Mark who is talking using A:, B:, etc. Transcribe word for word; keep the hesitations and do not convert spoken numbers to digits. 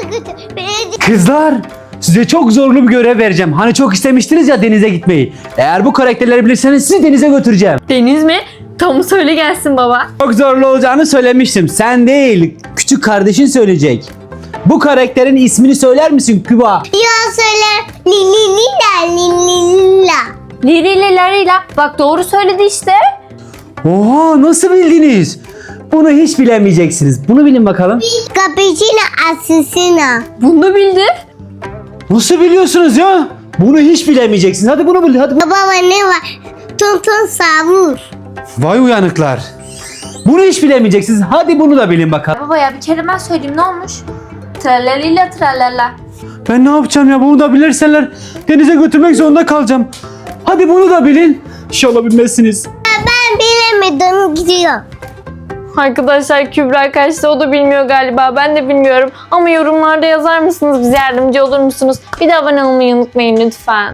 A: götür. Beni
B: Kızlar, size çok zorlu bir görev vereceğim. Hani çok istemiştiniz ya denize gitmeyi. Eğer bu karakterleri bilirseniz sizi denize götüreceğim.
C: Deniz mi? Tamam söyle gelsin baba.
B: Çok zorlu olacağını söylemiştim. Sen değil, küçük kardeşin söyleyecek. Bu karakterin ismini söyler misin Küba?
A: ya söyle. Li li li la li li la.
C: Liriyle Larila. Bak doğru söyledi işte.
B: Oha, nasıl bildiniz? Bunu hiç bilemeyeceksiniz. Bunu bilin bakalım.
A: Cappuccino assassino.
C: Bunu bildi.
B: Nasıl biliyorsunuz ya? Bunu hiç bilemeyeceksiniz. Hadi bunu bil. Hadi. bu-
A: Babama ne var? Ton ton savur.
B: Vay uyanıklar. Bunu hiç bilemeyeceksiniz. Hadi bunu da bilin bakalım.
C: Baba ya bir kere ben söyleyeyim ne olmuş? Tralalila tralala.
B: Ben ne yapacağım ya? Bunu da bilirseler denize götürmek zorunda kalacağım. Hadi bunu da bilin. İnşallah bilmezsiniz.
A: Ben bilemedim gidiyor.
C: Arkadaşlar Kübra kaçtı, o da bilmiyor galiba, ben de bilmiyorum. Ama yorumlarda yazar mısınız, bize yardımcı olur musunuz? Bir de abone olmayı unutmayın lütfen.